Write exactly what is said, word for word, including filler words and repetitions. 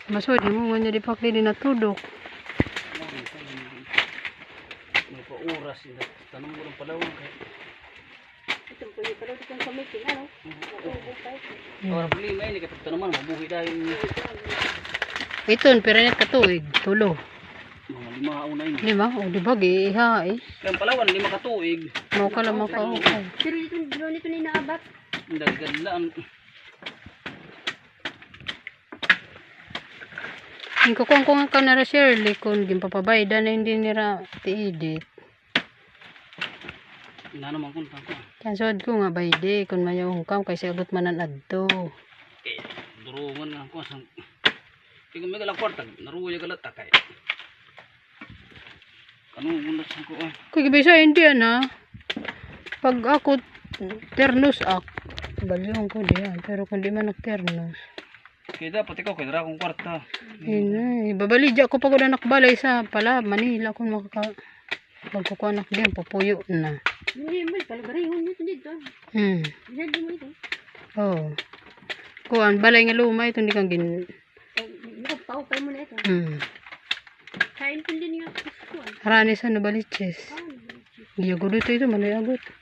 Masod mo man di pakli din natudok. May pa-oras ina. Tanong mo ng palawang kay. Ito po yung pero dito sa meeting ano. Ora bili may ni katag tanaman mabuhi dahil Iton pero net katuig tulo. mga lima una ini. Lima o di ba gi iha eh. Kaya palawan lima ka tuig. Mao ka lamang ka okay. Pero dito dito nito ni naabat. Daghan lang. Ang kukong kung ka na ra Shirley kung gimpapabayda na hindi nira ti-edit. Ina naman kun tangko. Kansod ko nga bayde kung mayong kam kay sagot manan adto. Eh durungan nga ko sang. Kaya may galang kwarta naruya galata kay. Kanong gulat sang ko ay. Kung gibisa hindi ana. Pag ako ternos ak balyong ko diyan pero kung di man nagternos. Kaya dapat ikaw kay dara kong kwarta. Inay, babalidya ko pag anak balay sa pala Manila kung makaka magkukuha anak din papuyo na. Hindi mo pala garihon nito dito. Hmm. Jadi mo ito. Oh. Kuan balay nga luma ito hindi kang gin. Ikaw pao pa mo na ito. Hmm. Kain ko din nga kuan. Harani sa nabaliches. Giyago dito ito manay agot.